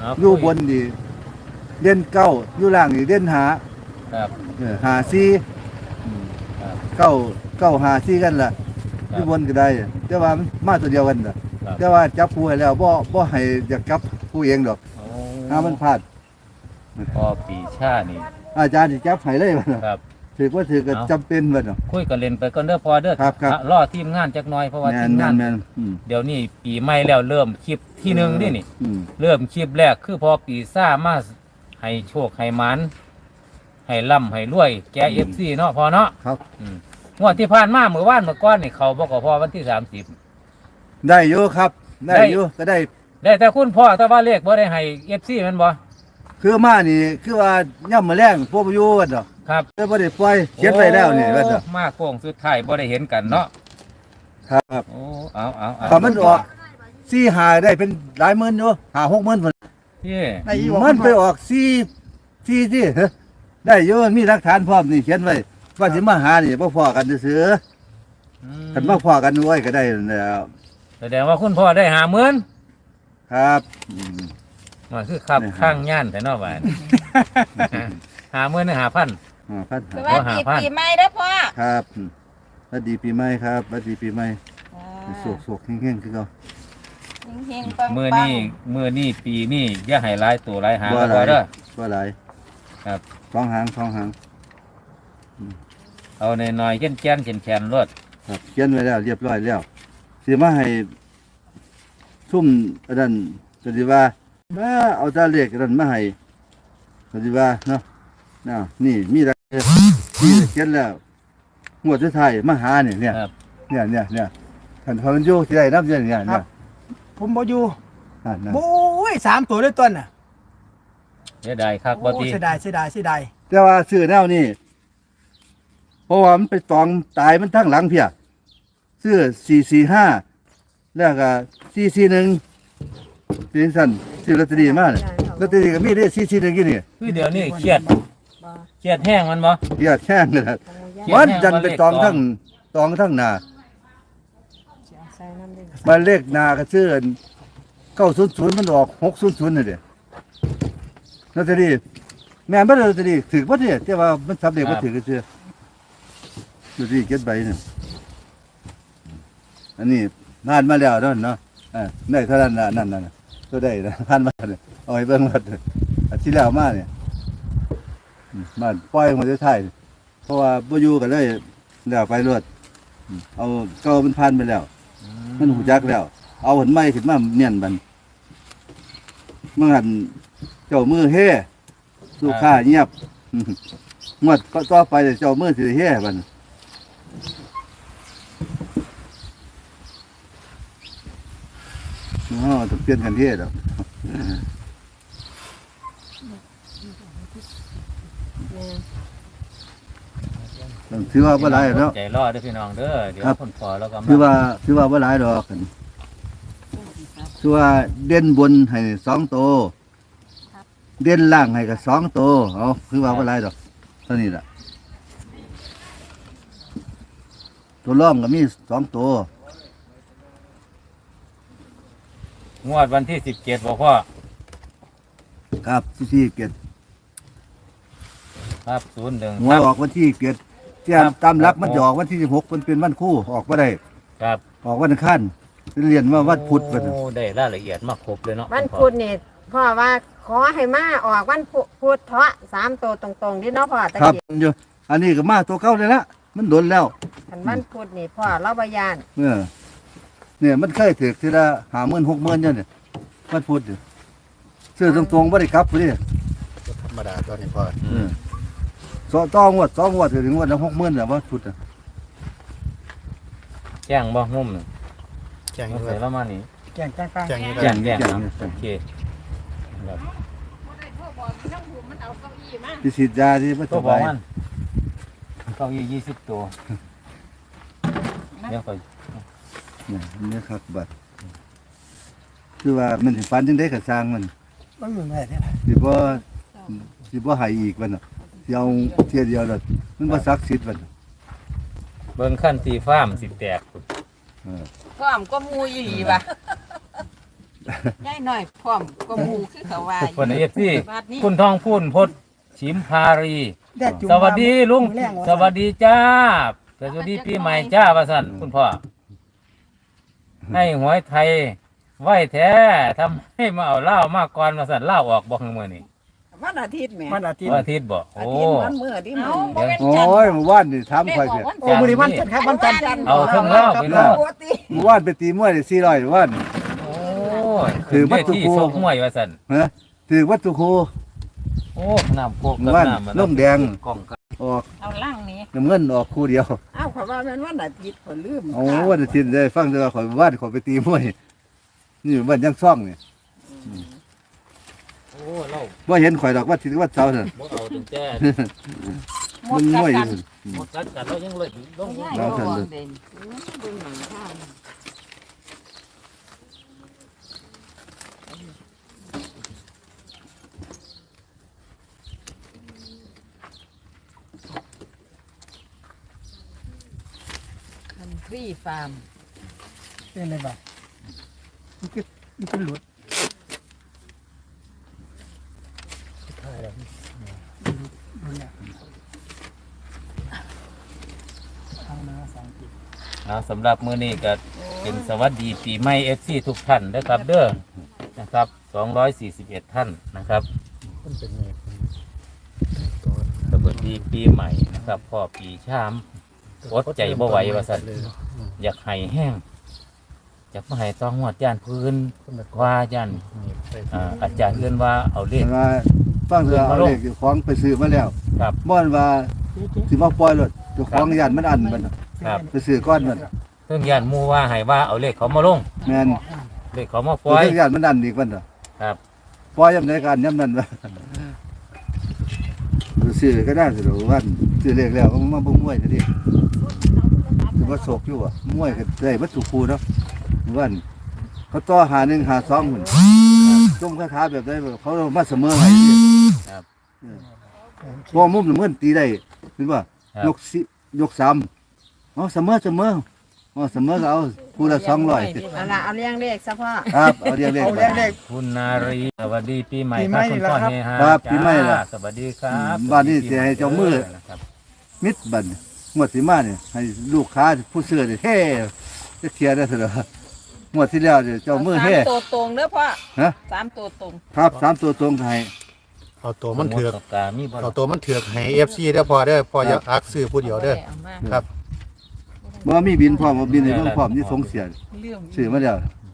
อยู่บนดีเด่นเก้าอยู่ล่างนี่เด่นหาครับหาซีครับเก้าหาซีกันล่ะอยู่บนก็ได้แต่ว่ามันมาตัวเดียวกันน่ะครับแต่ว่าจับผู้ให้แล้วบ่ให้อยากจับผู้เองดอกโอ้ถ้ามันพลาดพอปีชานี่อาจารย์สิจับให้เลยว่าน่ะครับถือว่าถือก็จำเป็นว่าน่ะคุยกันเล่นไปก่อนเด้อพอเด้อครับรอทีมงานจักหน่อยเพราะว่าแม่ทีนมงานแม่นเดี๋ยวนี้ปีใหม่แล้วเริ่มคลิปที่หนึ่งนี่อืมเริ่มคลิปแรกคือพอปีซ่ามาให้โชคให้หมันให้ร่ำให้รวยแกFCเนาะพอเนาะครับงวดที่ผ่านมาเมื่อวานเมื่อก้อนนี่เขาบอกกับพ่อวันที่30 ได้อยู่ครับได้อยู่ก็ได้ได้แต่คุณพ่อแต่ว่าเลขบ่ได้ให้ FC แมันบ่คือมานี่คือว่าย่ำมาแรงพวกอยู่ว่าดอกครับแต่บ่ได้ปล่อยเขียนไว้แล้วนี่ว่าดอกโอ้มาโค้งสุดท้ายบ่ได้เห็นกันเนาะครับโอ้เอาพอมันออก4 5ได้เป็นหลายหมื่นอยู่5 6 หมื่นพุ่นพี่มันไปออก4ที่ได้อยู่มีหลักฐานพร้อมนี่เขียนไว้ว่าสิมาหานี่บ่พอกันซื่อๆคันมาพอกันไว้ก็ได้แล้วแสดงว่าคุณพ่อได้50,000 ครับมันคือครับได้หาข้างย่านแต่เนอกบ้าน50,000หรือ5,000 พันสวัสดีปีใหม่เด้อพ่อครับสวัสดีปีใหม่ครับสวัสดีปีใหม่โศกๆแห้งๆคือเก่าเฮงๆปังๆมื้อนี้ปีนี้อย่าให้หลายตัวหลายหางบ่ก็หพอลายเด้อบ่หลายครับสองหางเอาน้อยๆแก่นๆแข็งๆรถครับเขียนไว้แล้วเรียบร้อยแล้วสิมาให้ทุ่มอันนั้นก็สิว่ามาเอาตาเลขอันนั้นมาให้ก็สิว่าเนาะนี่มีอะไรนี่เขียนแล้วงวดสุดท้ายมาหาเนี่ยครับท่านพมันอยู่ที่ใดนับเนี่ยครับ ผมบ่อยู่นั่นโอ้ย3 ตัวด้วยต้นน่ะเสียดายคักบ่โอ้ติเสียดายแต่ว่าซื้อแนวนี้เพราะว่ามันไปตองตายมันทั้งหลังเพียซื้อ445แล้วก็441เป็นสั่นซื้อลอตเตอรี่มาเนี่ยลอตเตอรี่ก็มีได้441อยู่นี่คือเดี๋ยวนี้เครียดแห้งมันบ่เกียดแช่งเลยนะเกียดมันแห้งจันไปตองทั้งหน้ามาเลขหน้าก็ซื้อ900มันออก600น่ะเด้ลอตเตอรี่แม่นบ่ได้ลอตเตอรี่ถือบ่เนี่ยแต่ว่ามันสำเร็จบ่ถือก็ซื้อลอตเตอรี่เก็บใบนี่อันนี้ผ่านมาแล้วเนาะได้เท่านั้นน่ะนั่นน่ะตัวได้นะผ่านมาเนี่ยเอาให้เบิ่งว่าอาทิตย์แล้วมาเนี่ยมาปล่อยมาท้ายเพราะว่าบ่อยู่กันเลยแล้วไปรวดเอาเก่ามันผ่านไปแล้ว มันหูจักแล้ว เอาหันไม้ขึ้นมาเนียนบันเมื่อหันเจ้ามือเฮ่สู้ข้าเงียบงวดก็ต่อไปเจ้ามือสิเฮ่บันต้องเปลี่ยนกันเฮ่ดอกถือว่าบ่หลายแล้วใจรอเด้อพี่น้องเด้อเดี๋ยวคนพอแล้วก็มาถือว่าบ่หลายดอกกันถือว่าเด่นบนให้2 ตัวเด่นล่างให้ก็2 ตัวเอาถือว่าบ่หลายดอกเท่านี้ล่ะตัวร่องก็มี2 ตัวงวดวันที่17บ่พ่อครับที่เกียรติครับ01 หัวออกวันที่เกียรติเที่ยตามหลักมันจะออกวันที่16มันเป็นวันคู่ออกบ่ได้ครับออกวันอังคารเรียนว่าวันพุธบัดโอ้ได้รายละเอียดมาครบเลยเนาะวันพุธนี่พ่อว่าขอให้มาออกวันพุธเถาะ3 ตัวตรงๆดิเนาะพ่อตะครับกี้อยู่อันนี้ก็มาตัวเก่าเลยละมันโดนแล้วคันวันพุธนี่พ่อเราบ่ย่านเนี่ยมันเคยถือทีละ50,000 60,000เนี่ยมันพูดอยู่ซื้อตรงๆบ่ได้กลับพุ่นนี่ธรรมดาตอนนี้พ่อ 2 งวดถึงงวดละ60,000น่ะว่าพูดน่ะแจ้งบ่งุ่มน่ะแจ้งมาเลใส่ยแล้วมานี่แจ้งตั้งแจ้งนี่แจ้งแจ้งโอเคครับที่ฉีดยาที่บ่ตัสวบอกบายมันเก้าอี้20 ตัวเดี๋ยวไปเนี่ยครับบัดคือว่ามันสิฝันจังได๋ก็สร้างมันมันเหมือนแม่เนี่ยสิบ่ให้อีกบัดน่ะสิเอาเที่ยเดียวแล้วมันบ่ศักดิ์สิทธิ์บัดน่ะเบิ่งขั้นสีฟ้ามสิแตกเออพร้อมก็มูอีหลีว่ะย่ายน้อยพร้อมก็หมู่คือเขาว่าคนเอฟซีบัดนี้คุณทองพูนพดชิมพารีแดดจุ่มสวัสดีลุงแรงว่าสวัสดีจ้าสวัสดีปีใหม่จ้าว่าสั่นคุณพ่อให้หวยไทยไหวแท้ทำให้มาเอาเหล้ามาก่อนมาสั่นเหล้าออกบอกมือนี่วันอาทิตย์แหม่วันอาทิตย์วันอาทิตย์บอกอาโอ้ทิตย์วันมื้อที่มันเดี๋ยวโอ้ยเมื่อวานนี่ถามข่อยสิโอ้มื้อนี้วันจันทร์ครับวันจันทร์เอาเครื่องเหล้าไปรอดปกติเมื่อวานไปตีมวยได้400เมื่อวานโอ้ยถือวัตถุที่โกซกมวยว่าสั่นฮะถือวัตถุครูโอ้น้ำโคกเมื่กับอวานน้ำมันลงแดงกล่องกันออกเอาล่างนี้น้ำเงินออกคู่เดียวอ้าวเพราะว่ามันวันอาทิตย์ข่อยลืมโอ้วันอาทิตย์ได้ฟังแต่ว่าข่อยว่านข่อยไปตีมวยนี่วันยังซ่องนี่โอ้เหล้าว่าเห็นข่อยดอกว่าทิศว่าเสาร์นั่นบ่เอาถึงแต่หมมัดนกัมวยอยู่นพุ่นหมดกันเรายังเลยลงย่ายน้องบ่ท่านวางเลยเด่นดูหนังข้าวคันทรีฟาร์มเป็นไรบ้างมันคือหลุดถ่ายแล้วหลุดแล้วเอามา2 ปีสำหรับมื้อนี้ก็เป็นสวัสดีปีใหม่ FC ทุกท่านนะครับเด้อนะครับ241ท่านนะครับมันเป็นไงสวัสดีปีใหม่นะครับพ่อปีชามอดใจบ่ไหวว่าซั่นอยากให้แห้งอยากมาให้ต้องหวดย่านพื้นว่าย่านอาจารย์เอื้อนว่าเอาเลขว่าฟังเถอะเอาเลขเจ้าของไปซื้อมาแล้วครับม่อนว่าสิมาปล่อยรถเจ้าของย่านมันอันมันน่ะครับไปซื้อก้อนมันเพิ่งย่านหมู่ว่าให้ว่าเอาเลขเขามาลงแม่นเลขเขามาปตัวล่อยเจ้าย่านมันอันอีกมันน่ะครับปล่อยยามใดกันยามนั้นว่าซื้อก็ได้สิหรอกว่าซื้อเลขแล้วก็มาบ่มวยซะดิคือว่าโศกอยู่อ่ะมวยก็ได้วัตถุครูเนาะว่าเขาต่อหา1หา2หุ่นจมคาถาแบบได้เขามาเสมอให้ดิครับพอมุมน้ำเงินตีได้เห็นป่ะครับยก3เอาเสมอเอาเสมอก็เอาคู่ละ200 เอาละเอาเลี้ยงเลขซะพ่อครับเอาเรียงเลขเอาไปแรกคุณนารีสวัสดีปีใหม่ปีคใหม่รับคุณพ่อแล้วครับเฮฮาครับปีใหม่ล่ะสวัสดีครับบ้านนี้สิให้เจ้ามือนะครับมิดบัดงวดสิมาเนี่ยให้ลูกค้าผู้ซื้อนี่เฮ้จะเทียได้ซะเหรองวดที่แล้วเนี่ยเจ้ามือเฮ้สามตัวตรงเด้อพ่อฮะ 3ตัวตรงครับ3ตัวตรงให้เอาตัวมันเถือกหดกามีบ่เอาตัวมันเถือกให้ FC ได้อพอเด้อพออย่าอักซื้อผู้เดียวเด้ออามาครับบ่มีบินพร้อมบ่บินให้เบิ่งพร้อมนี่สงเสียเรื่องซื้อมาแล้ว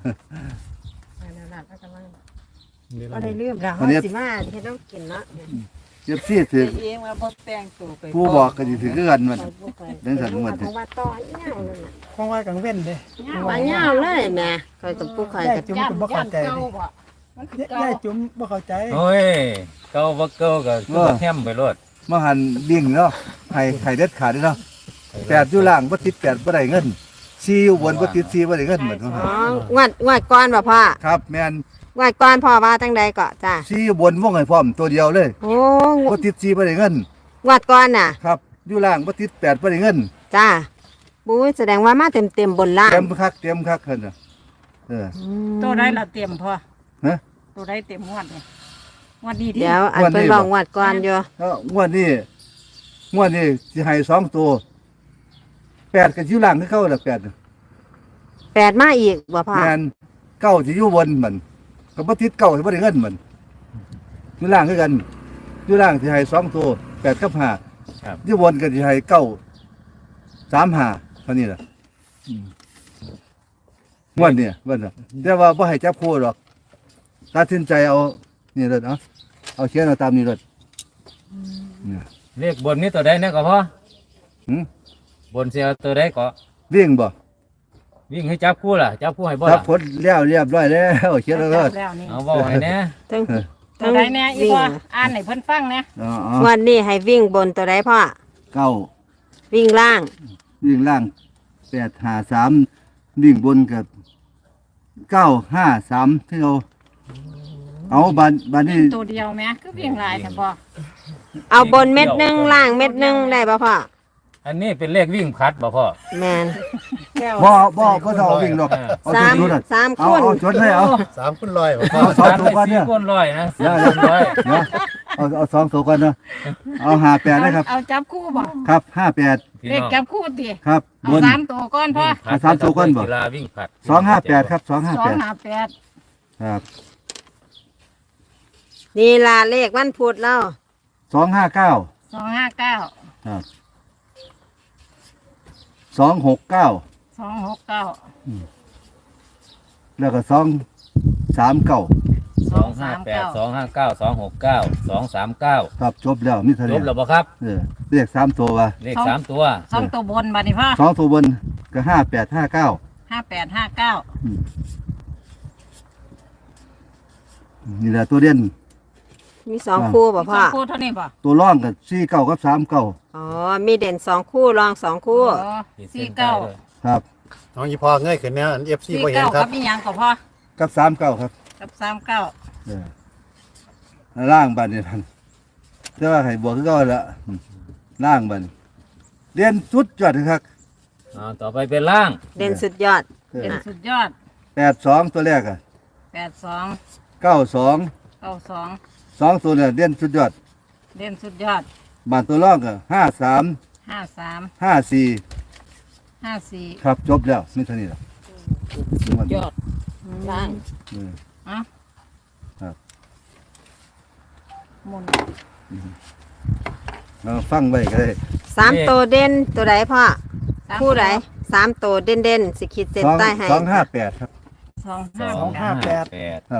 ก็ได้ลืมแล้วอันนี้สิมาเฮ็ดต้องกินเนาะเจ็บซี่ถือเองว่าบ่แต่งตัวไปผู้บอกก็สิถือคือกันมันเดินสันมันเพราะว่าต่อเหี่ยวนั่นน่ะๆของไว้กลางเว้นเด้ว่าเหี่ยวเลยแม่คอยกับผู้คอยได้กับจุ่มก็บ่เข้าใจเด้ได้จุ่มบ่เข้าใจโอ้ยเก่าบ่เก่าก็คือบ่แฮมไปโลดมาหันดิ่งเนาะไข่เด็ดขาดเนาะ8อยู่ล่างบ่ติด8บ่ได้เงิน4อยู่บนบ่ติด4บ่ได้เงินเหมือนกันอ๋องวดก่อนบ่พ่อครับแม่นงวดก่อนพ่อว่าจังใดก็จ้า 4อยู่บนวงให้พร้อมตัวเดียวเลยโอ้บ่ติด4บ่ได้เงินงวดก่อนน่ะครับอยู่ล่างบ่ติด8บ่ได้เงินจ้าบุ้ยแสดงว่ามาเต็มบนล่างเต็มคักเพิ่นน่ะเออตัวได้ละเต็มพ่อฮะตัวได้เต็มงวดเลยงวดนี้ดิเดี๋ยวอันเป็นบอกงวดก่อนอยู่แล้วงวดนี้สิให้2ตัว8ก็อยู่ล่างคือเก่าล่ะ8น่ะ 8มาอีกบ่พ่อแม่น9สิอยู่บนมันก็บ่ติด9สิบ่ได้เงินมันอยู่ล่างคือกันอยู่ล่างสิให้2ตัว8กับ5 ครับอยู่บนก็สิให้9 3 5เท่านี้ล่ะงวดนี้เบิ่นน่ะแต่ว่าบ่ให้จับคู่หรอกตัดสินใจเอานี่เด้อเอาเขียนเอาตามนี้เด้อเนี่ยเลขบนนี้ตัวใดนะก็พ่อหืมบนสิเอาตัวใดก็วิ่งบ่วิ่งให้จับคู่ล่ะจับคู่ให้บ่ทับล่ะผลแล้วเรียบร้อยแล้วเขียนแล้วก็แล้วนี่เอาเว้าให้แหน่ทั้งตัวใดแน่อีพ่ออ่านให้เพิ่นฟังนะอ๋องวดนี้ให้วิ่งบนตัวใดพ่อเก้าวิ่งล่างวิ่งล่าง853วิ่งบนกับ953ที่เอาบานนี้ตัวเดียวแม่คือวิ่งหลายแต่บ่เอาบนเม็ดหนึงล่างเม็ดหนึงได้บ่พ่ออันนี้เป็นเลขวิ่งพัดบ่พ่อแมนแก้วบ่ก็ต้องเอาวิ่งหรอกเอาสามจุดๆน่ะสามเอาคนเอาจดเลยเอา 3คุณร้อยบ่พ่อเอาสองตัวก่อนเนี่ยก้นร้อยนะเดี๋ยวก้นร้อยเนาะเอาสองตัวก่อนเนาะเอา58นะครับเอาจับคู่บ่ครับ58 พี่เลขน้องจับคู่ติครับเอาบน 3ตัวก่อนพ่อเอาสามตัวก่อนบ่กีฬาวิ่งผลัด 258ครับ258 258 ครับนี่ล่ะเลขวันพุธแล้ว 259 259 ครับ269 269 แล้วก็239 258 259 269 239 ครับจบแล้วมีเท่าจนี้บแล้วบ่ครับเรียก3ตัวว่าเลข3ตัว 2ตัวบนบัดนี้พ่อ 2ตัวบนก็5859 5859 นี่แหละตัวเด่นมีสองคู่บ่พ่อสองคู่เท่านี้บ่ตัวร่องกับ49กับ39 อ๋อมีเด่นสองคู่รองสองคู่อ๋อขีดเส้นใต้ด้วย 49 ครับน้องอีพ่อเงยขึ้นแนว FC บ่เห็น 49 คกัรับบ อีหยังก็พ่อกับ39ครับกับ39 เออล่างบัดนี่ท่านแต่ว่าให้บวกคือเก่าละล่างบัดเรียนสุดยอดครับต่อไปเป็นล่างเด่นสุดยอดเป็นสุดยอด 82ตัวแรกอ่ะ 82 92 92 2ตัวเนี่ยเรียนสุดยอดเด่นสุดยอดบานตัวร่องก็53 53 54 54 ครับจบแล้วมีเท่านี้ล่ะยอดล่างเอออ่ะครับหมุนเอาฟังไว้ก็ได้สามตัวเด่นตัวใดพ่อคู่ใดสามตัวเด่นเด่นๆสิขีดเส้นใต้ให้ 258ครับ 258 ครับ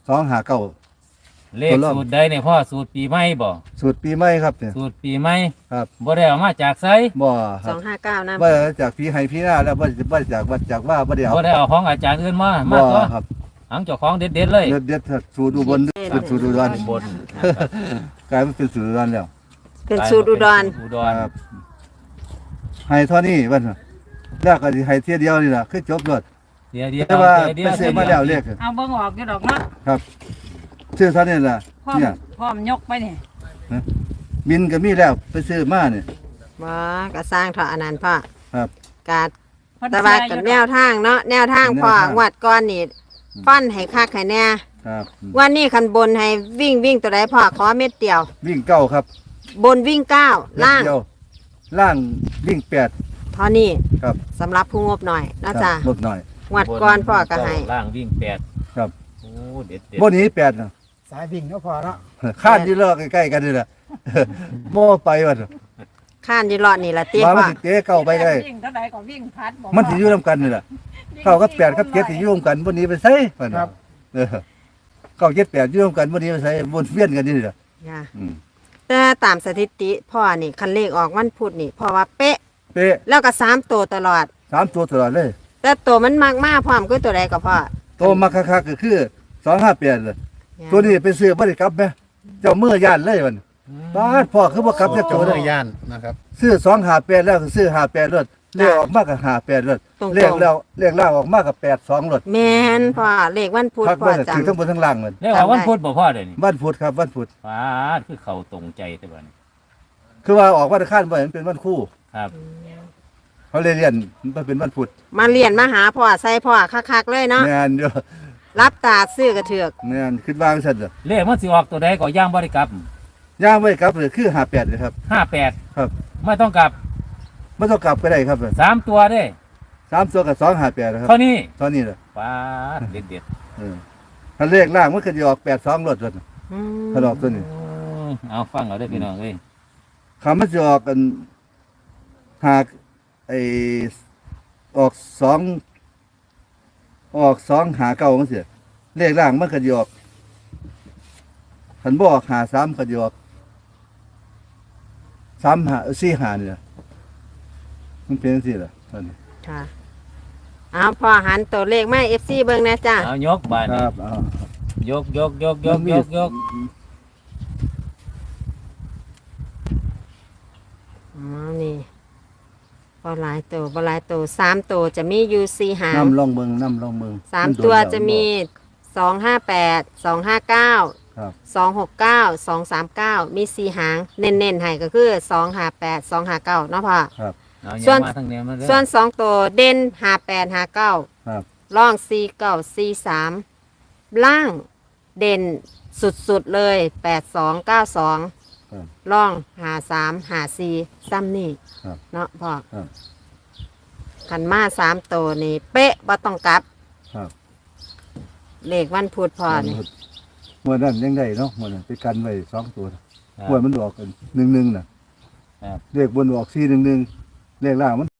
259 เลขสูตรใดเนี่ยพ่อสูตรปีใหม่บ่สูตรปีใหม่ครับเนี่ยสูตรปีใหม่ครับบ่ได้เอามาจากไสบ่คสรัอบ งห้าเก้านะบ่จากพี่ให้พี่หน้าแล้วบ่จากวัดจากว่าบ่ได้เอาบ่ได้เอาของอาจารย์อื่นมาบ่ตัวครับหังเจ้าของเด็ดๆเลยเด็ดสูตรอุบลเป็นสูตรอุดรบนกลายเป็นสูตรอุดรแล้วเป็นสูตรอุดรอุดรครับให้เท่านี้วันน่ะแล้วก็สิให้เที่ยเดียวนี่ล่ะคือจบรถเดี๋ยวแต่ว่าเดี๋ไปยวซื้อมาแล้วเรียกเอาเบิ่งออกอยู่ดอกเนาะครับซื้อเท่านี้ล่ะพร้อมเนี่ยพร้อมยกไปนี่บินก็มีแล้วไปซื้อมาเนี่ยบ่ก็สร้างเถาะอันนั้นพ่อครับกาดเพิ่นแต่ว่ากับแนวทางเนาะแนวทางพ่อแนวทางงวดก่อนนี่ฟันให้คักให้แน่ครับวันนี้คันบนให้วิ่งตัวใดพ่อขอเม็ดเดียววิ่งเก้าครับบนวิ่งเก้าล่างเม็ดเดียวล่างวิ่ง8 เท่านี้ครับสำหรับผู้งบหน่อยนะจ๊ะลดหน่อยงวดก่อนพ่อก็ให้ล่างวิ่ง8 ครับโอ้เด็ดบ่หนี้8น่ะสายวิ่งเนาะพ่อเนาะข้านอยู่รอใกล้ๆกันนี่ล่ะ บ่ไปว่าข้านอยีรอดนี่ละเตี้ยว่ามันพ่อสิเตะเก้าไปได้วิ่งเท่าใดก็วิ่งพัดบ่มันสิอยู่นํกันนี่ล่ะเก้ากับ8กับ7สิอยู่นํกันบ่หนี้ไปไสว่าน่ะเออเก้า7 8อยู่นํกันบ่หนี้ไปไสวนเวียนกันนี่ล่ะจ้ะอืมแต่ตามสถิติพ่อนี่คันเลขออกวันพุธนี่พ่อว่าเป๊ะเป๊ะแล้วก็สามตัวตลอด 3ตัวตลอดเลยแต่ตัวมันมากมากพร้อมก็ตัวใดก็พ่อตัวมาคักๆก็คือ258เลยตัวนี้ไปซื้อบ่ได้กลับแม่เจ้ามือย่านเลยมันบาดพ่อคือบ่กลับจักเจ้าตัวเนื้เลยอย่านนะครับซื้อ258แล้วก็ซื้อ58รถเลขออกมาก็58รถตรงๆเลขแล้วเลขล่างออกมาก็82รถแมนพ่อเลขวันพุธคักพ่อเบิ่งจัถืงอทั้งบนทั้งล่างมันแล้วเอาวันพุธบ่พ่อเดี๋ยวนี้วันพุธครับวันพุธฟาดคือเข้าตรงใจแต่บัดนี้คือว่าออกวันอังคารบ่เห็นเป็นวันคู่ครับเขาเลยเรียนมันเป็นวันพุธมาเรียนมาหาพ่อใส่พ่อคักๆเลยเนาะแม่นอยู่รับตาซื้อกระเถือกแม่นคิดว่าจังซั่นเด้อเลขมันสิออกตัวใดก็ย่างบ่ได้กลับย่างไว้กลับเลยคือ58เลยครับ 58 ครับไม่ต้องกลับบ่ต้องกลับก็ได้ครับ 3 ตัวเด้ 3ตัวกับ258นะครับเท่านี้เท่านี้แหละฟาดเด็ดเออถ้าเลขล่างมันก็สิออก82รถรถอืมถ้าออกตัวนี้ๆเอาฟังเอาได้อพี่น้องเอ้ยคำมันจะออกกันหากไอออก2หาเก่ามันเสียเลขล่างมันก็จะออกขันบออกหา3ก็จะออก3หา4หานี่ล่ะมันเป็นจังซี่ล่ะตอนนี้ค่ะเอาพ่อหันตัวเลขมา FC เบิ่งนะจ้ะเอายกบาดคนี้รับเอายกอ๋อนี่บ่หลายตัวบ่หลายตัว3ตัวจะมีอยู่4หางน้ำลองเบิ่งน้ำลองเบิ่งสามตัวจะมี258 259 ครับ 269 239มี4หางเน้นๆให้ก็คือ258 259เนาะพ่อครับเอาส่อย่าวนมาทางแนวมาเด้อส่วนสองตัวเด่น58 59 ครับล่อง49 43ล่างเด่นสุดๆเลย82 92 ครับล่อง53 54ซ้ำนี่ครับเนาะพ่อครับขันมา3ตัวนี่เป๊ะบ่ต้องกลับครับเลขวันพุธพ่อนี่เมื่อนั้นยังได้เนาะเมื่อนั้นไปกันไว้2ตัวครับเมื่อมันออกกัน1-1น่ะครับเลขบนออก4-1เลขล่างมัน